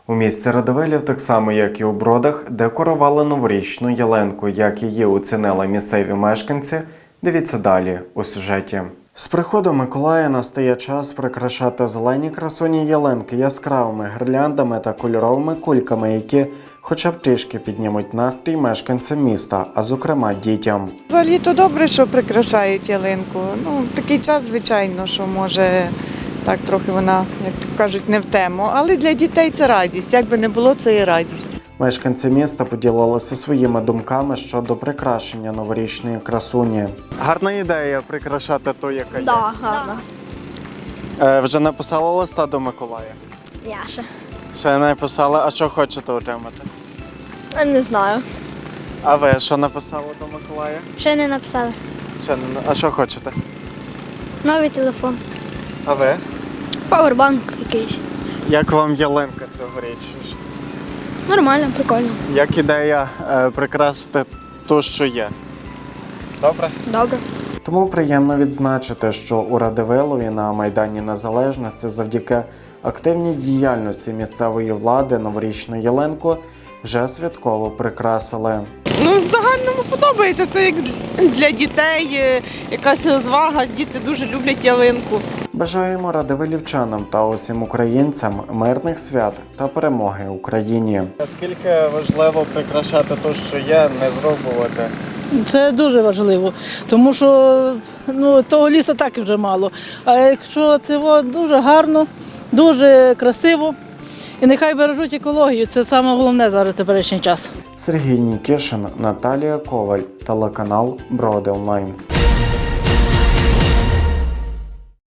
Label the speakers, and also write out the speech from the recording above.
Speaker 1: У місті Радивилів, так само як і у Бродах, декорували новорічну ялинку. Як її оцінили місцеві мешканці, дивіться далі у сюжеті. З приходом Миколая настає час прикрашати зелені красуні ялинки яскравими гірляндами та кольоровими кульками, які хоча б трішки піднімуть настрій мешканцям міста, а зокрема дітям.
Speaker 2: Взагалі то добре, що прикрашають ялинку. Такий час, звичайно, що може так трохи вона, як кажуть, не в тему. Але для дітей це радість. Як би не було, це і радість.
Speaker 1: Мешканці міста поділилися своїми думками щодо прикрашення новорічної красуні. Гарна ідея прикрашати ту, яка є.
Speaker 3: Да, гарно.
Speaker 1: Вже написали листа до Миколая?
Speaker 3: Я ще.
Speaker 1: Ще не написали, а що хочете отримати?
Speaker 3: Не знаю.
Speaker 1: А ви що написали до Миколая?
Speaker 3: Ще не написали.
Speaker 1: Ще не... А що хочете?
Speaker 3: Новий телефон.
Speaker 1: А ви?
Speaker 3: Пауербанк якийсь.
Speaker 1: Як вам ялинка цьогоріч?
Speaker 3: Нормально, прикольно.
Speaker 1: Як ідея прикрасити ту, що є? Добре?
Speaker 3: Добре.
Speaker 1: Тому приємно відзначити, що у Радивилові на Майдані Незалежності завдяки активній діяльності місцевої влади новорічну ялинку вже святково прикрасили.
Speaker 2: В загальному подобається. Це як для дітей, якась розвага. Діти дуже люблять ялинку.
Speaker 1: Бажаємо радивилівчанам та усім українцям мирних свят та перемоги Україні. Наскільки важливо прикрашати те, що є, не зробувати?
Speaker 4: Це дуже важливо, тому що того лісу так і вже мало. А якщо це дуже гарно, дуже красиво, і нехай бережуть екологію, це найголовніше зараз в теперішній час.
Speaker 1: Сергій Нікішин, Наталія Коваль, телеканал Броди Онлайн.